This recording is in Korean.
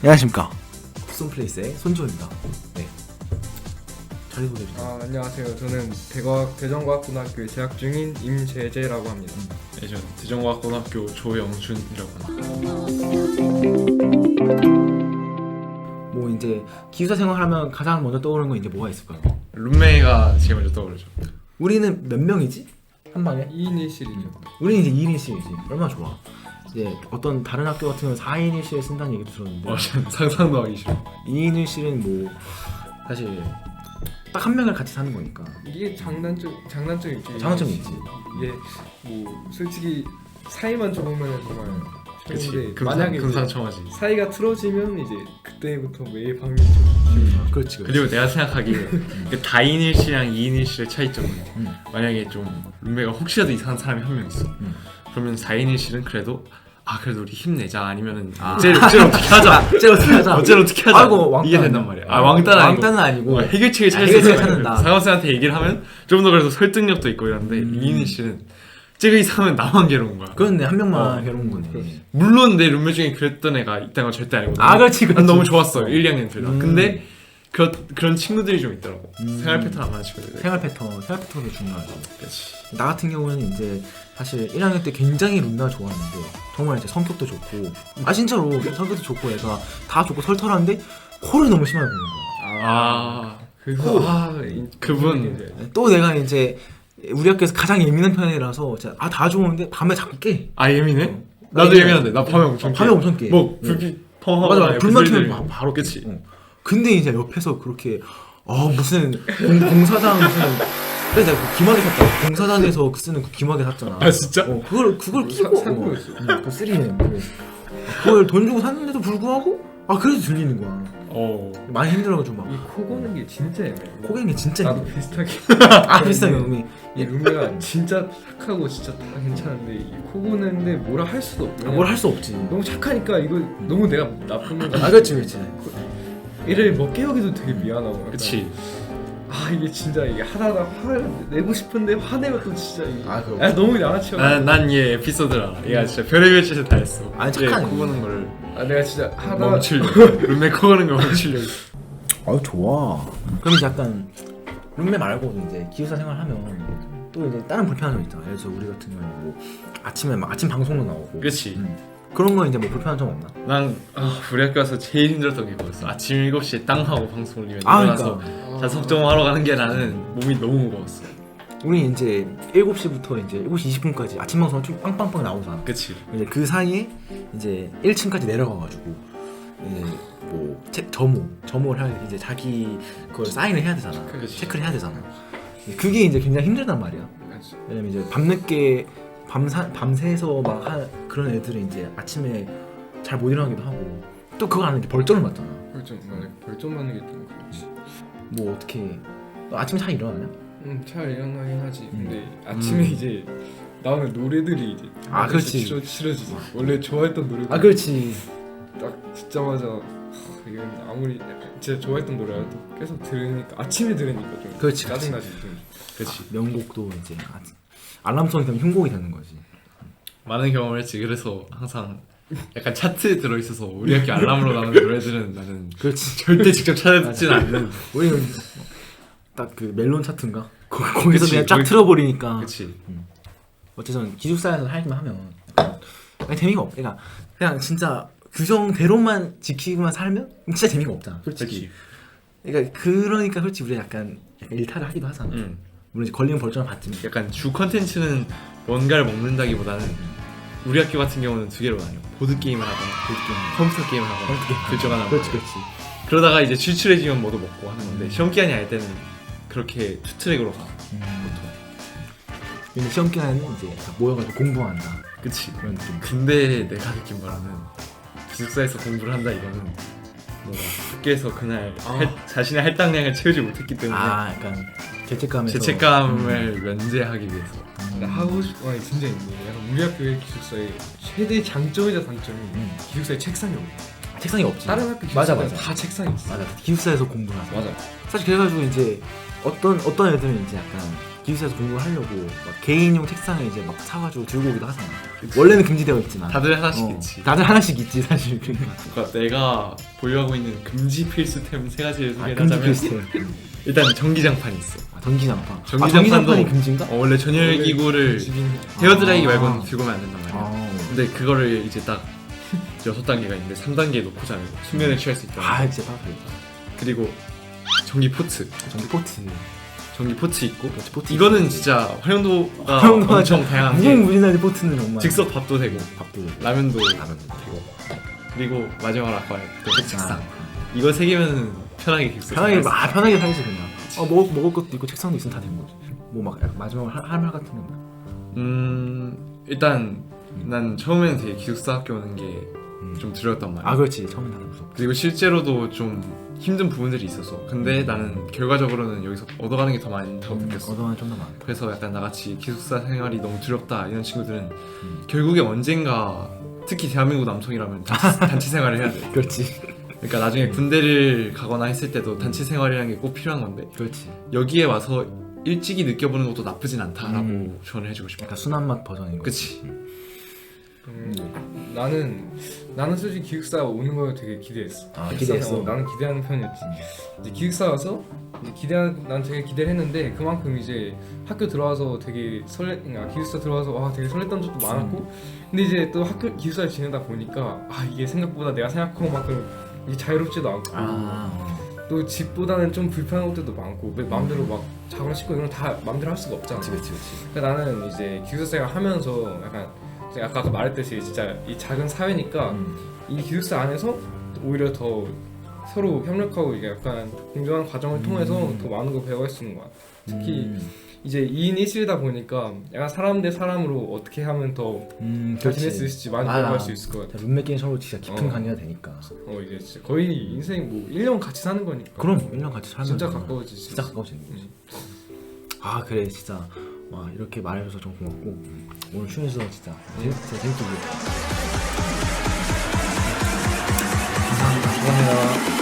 안녕하십니까. 굿손플레이스의 손조입니다. 네. 자기 소개해 주세요. 안녕하세요. 저는 대전과학고등학교에 재학 중인 임재재라고 합니다. 네, 저는 대전과학고등학교 조영준이라고 합니다. 뭐 이제 기숙사 생활하면 가장 먼저 떠오르는 건 이제 뭐가 있을까요? 룸메가 제일 먼저 떠오르죠. 우리는 몇 명이지? 한 방에? 2인 1실이죠. 우리는 이제 2인 1실이지. 얼마나 좋아. 이제 어떤 다른 학교 같은 경우는 4인 1실을 쓴다는 얘기도 들었는데 저는 상상도 하기 싫어. 2인 1실은 뭐 사실 딱 한 명을 같이 사는 거니까 이게 장단점이 있지. 장단점이 있지. 이게 뭐 솔직히 사이만 좋으면 정말 그치. 좋은데 만약에 금상첨화지. 사이가 틀어지면 이제 그때부터 매일 밤이 그렇지. 그리고 내가 생각하기에 그 다인일씨랑 2인일씨의 차이점은 만약에 좀 룸메가 혹시라도 이상한 사람이 한 명 있어. 그러면 4인일씨는 그래도 그래도 우리 힘내자 아니면은 어째를 어떻게 하자. 어째를 어떻게 하자. 아이고, 왕따 이게 된단 말이야. 왕따는 아니고 해결책을 찾는다. 상관쌤한테 얘기를 하면 좀 더 그래도 설득력도 있고 이런데 2인일씨는 쟤가 이상하면 나만 괴로운 거야. 그런데 한 명만 괴로운 거네. 물론 내 룸메 중에 그랬던 애가 있다는 건 절대 아니거든. 그렇지. 난 너무 좋았어. 1, 2학년 둘 다. 근데 그런 친구들이 좀 있더라고. 생활 패턴 안 맞는 친구들. 생활 패턴도 중요하죠. 그렇지. 나 같은 경우는 이제 사실 1학년 때 굉장히 룸메가 좋았는데 정말 이제 성격도 좋고 진짜로 성격도 좋고 애가 다 좋고 털털한데 코를 너무 심하게 부는 거야. 그분 또 내가 이제 우리 학교에서 가장 예민한 편이라서 다 좋은데 밤에 자꾸 깨. 예민해? 나도 예민한데 나 밤에 엄청 깨. 뭐 불빛 펑하고 맞아. 불만 켜면 바로 그치. 근데 이제 옆에서 그렇게 무슨 공사장 무슨 그래서 내가 그 기마개 샀다. 공사장에서 쓰는 그 기마개 샀잖아. 진짜? 그걸 끼고 산 거였어. 그 3M 그걸 돈 주고 샀는데도 불구하고 그래도 들리는 거야. 많이 힘들어가지고 막 이 코 고는 게 진짜 애매해. 코 고는 게 진짜 나도 힘들어. 비슷하게. 비슷하게 의미. 이 룸메가 진짜 착하고 진짜 다 괜찮은데 이 코 고는데 뭐라 할 수도 없고. 뭘 할 수 없지. 너무 착하니까 이거 너무 내가 나쁜 건가. 그렇지. 얘를 뭐 깨우기도 되게 미안하고. 약간. 그치. 이게 진짜 이게 하다가 화를 내고 싶은데 화내면 또 진짜 이게 그럼. 너무 양아치야. 난 얘 에피소드를 알아. 얘가 진짜 별의별 짓을 다 했어. 착하네. 코 고는 거를 내가 진짜 하다가 멈추려고. 룸메 코 고는 거 멈추려고. 좋아. 그럼 이제 약간 룸메 말고 이제 기숙사 생활하면 또 이제 다른 불편한 점 있잖아. 예를 들어 우리 같은 경우는 뭐 아침에 막 아침 방송도 나오고. 그치. 그런 거 이제 뭐 불편한 점 없나? 난 우리 학교 와서 제일 힘들었던 게 그거였어. 아침 7시에 땅 하고 방송 올리면 그러니까. 일어나서 자석정하러 가는 게 나는 몸이 너무 무거웠어. 우리 이제 7시부터 이제 7시 20분까지 아침 방송 쭉 빵빵빵 나오잖아. 그치. 이제 그 사이에 이제 1층까지 내려가가지고 이제 뭐 점호를 할 이제 자기 그걸 사인을 해야 되잖아. 그치. 체크를 해야 되잖아. 그게 이제 굉장히 힘들단 말이야. 왜냐면 이제 밤늦게 밤새서 막 그런 애들은 이제 아침에 잘 못 일어나기도 하고 또 그거 안 하는 게 벌점을 맞잖아. 벌점 받는 게 좀 그렇지. 뭐 어떻게 너 아침에 잘 일어나냐? 잘 일어나긴 하지. 근데 아침에 이제 나오는 노래들이 이제 그렇지. 싫어지지. 원래 좋아했던 노래들. 그렇지. 딱 듣자마자 이건 아무리 진짜 좋아했던 노래라도 계속 들으니까 아침에 들으니까 좀 그렇지. 짜증나지. 좀. 그치. 명곡도 이제 알람송이 되면 흉곡이 되는 거지. 많은 경험을 했지. 그래서 항상 약간 차트에 들어있어서 우리 학교 알람으로 나오는 노래들은 나는 그렇지. 절대 직접 찾아듣진 않는. 우리는 딱 그 멜론 차트인가? 거기서 그치, 그냥 쫙 틀어버리니까. 그치. 어쨌든 기숙사에서 살기만 하면 그냥 재미가 없. 그냥 진짜 규정대로만 지키고만 살면 진짜 재미가 없잖아. 솔직히. 그러니까 솔직히 우리가 약간 일탈을 하기도 하잖아. 물론 이제 걸리면 벌점을 받지만. 약간 주 컨텐츠는 뭔가를 먹는다기보다는 우리 학교 같은 경우는 두 개로 나뉘어. 보드게임을 하거나 컴퓨터 게임을 하거나 둘 중 하나. 그렇지. 그러다가 이제 출출해지면 뭐도 먹고 하는 건데 시험 기간이 아닐 때는 그렇게 투 트랙으로 가. 보통. 근데 시험 기간에는 이제 다 모여가지고 공부한다. 그치. 그런 느낌. 근데 내가 느낀 바로는 기숙사에서 공부를 한다 이거는 뭔가 학교에서 그날 자신의 할당량을 채우지 못했기 때문에 약간 죄책감을 면제하기 위해서. 근데 하고 싶은 말이 진짜 있네. 약간 우리 학교의 기숙사의 최대 장점이자 단점이 기숙사에 책상이 없어. 책상이 없지. 다른 학교 맞아. 기숙사는 다 책상이 있어. 맞아. 기숙사에서 공부를 하자. 맞아. 사실 그래가지고 이제 어떤 애들은 이제 약간 기숙사에서 공부를 하려고 막 개인용 책상을 이제 막 사가지고 들고 오기도 하잖아. 원래는 금지되어 있지만 다들 하나씩 있지. 다들 하나씩 있지 사실. 그러니까 그러니까 내가 보유하고 있는 금지 필수템 3가지를 금지 소개하자면 필수템. 일단 전기장판이 있어. 전기장판. 전기장판도 전기장판이 금지인가? 원래 전열기구를 헤어드라이기 말고는 들고 오면 안 된단 말이야. 아, 근데 그거를 이제 딱 6단계가 있는데 3단계에 놓고 자는 거. 수면을 취할 수 있다. 아 진짜 빠르다. 그리고 전기 포트. 전기 포트. 전기 포트 있고. 그렇지, 포트 이거는 있고. 진짜 활용도가 활용도가 엄청 다양한 게 무궁무진하게 포트는 정말. 즉석 밥도 되고 밥도 라면도 라면도 되고 그리고 마지막으로 아까 그 책상. 아, 이거 3개면 편하게 기숙사 편하게 생활할 수 있어. 편하게 살지 그냥. 먹을 것도 있고 책상도 있으면 다 된 거지. 뭐 막 마지막으로 할 말 같은 건. 일단 난 처음에는 되게 기숙사 학교 오는 게 좀 두려웠단 말이야. 아 그렇지 처음엔 다들 무섭고. 그리고 실제로도 좀 힘든 부분들이 있었어. 근데 나는 결과적으로는 여기서 얻어가는 게 더 많다고 느꼈어. 얻어가는 좀 더 많다. 그래서 약간 나같이 기숙사 생활이 너무 두렵다 이런 친구들은 결국에 언젠가 특히 대한민국 남성이라면 단체 생활을 해야 돼. 그렇지. 그러니까 나중에 군대를 가거나 했을 때도 단체 생활이라는 게 꼭 필요한 건데 그렇지. 여기에 와서 일찍이 느껴보는 것도 나쁘진 않다라고 조언을 해주고 싶어. 약간 순한 맛 버전인 거. 그치. 나는 솔직히 기숙사 오는 걸 되게 기대했어. 아, 기숙사, 기대했어? 나는 기대하는 편이었지. 이제 기숙사 와서 이제 난 되게 기대를 했는데 그만큼 이제 학교 들어와서 되게 기숙사 들어와서 와 되게 설렜던 적도 많았고, 근데 이제 또 학교 기숙사에 지내다 보니까 아 이게 생각보다 내가 생각한 것만큼 이게 자유롭지도 않고 또 집보다는 좀 불편한 것들도 많고 마음대로 막 자고 씻고 이런 거 다 마음대로 할 수가 없잖아. 그렇지. 그러니까 나는 이제 기숙사 생활 하면서 약간 제가 아까 말했듯이 진짜 이 작은 사회니까 이 기숙사 안에서 오히려 더 서로 협력하고 이게 약간 공정한 과정을 통해서 더 많은 걸 배워갈 수 있는 것 같아. 특히 이제 2인 1실이다 보니까 약간 사람 대 사람으로 어떻게 하면 더 잘 지낼 수 있을지 많이 배워갈 수 있을 것 같아. 룸메끼리 서로 진짜 깊은 관계가 되니까. 이제 진짜 거의 인생 뭐 1년 같이 사는 거니까. 그럼 1년 같이 살면 진짜 정말 가까워지지. 진짜 가까워지는 거지. 아 그래 진짜 와 이렇게 말해줘서 좀 고맙고 오늘 출연해서 진짜 재밌게 감사합니다.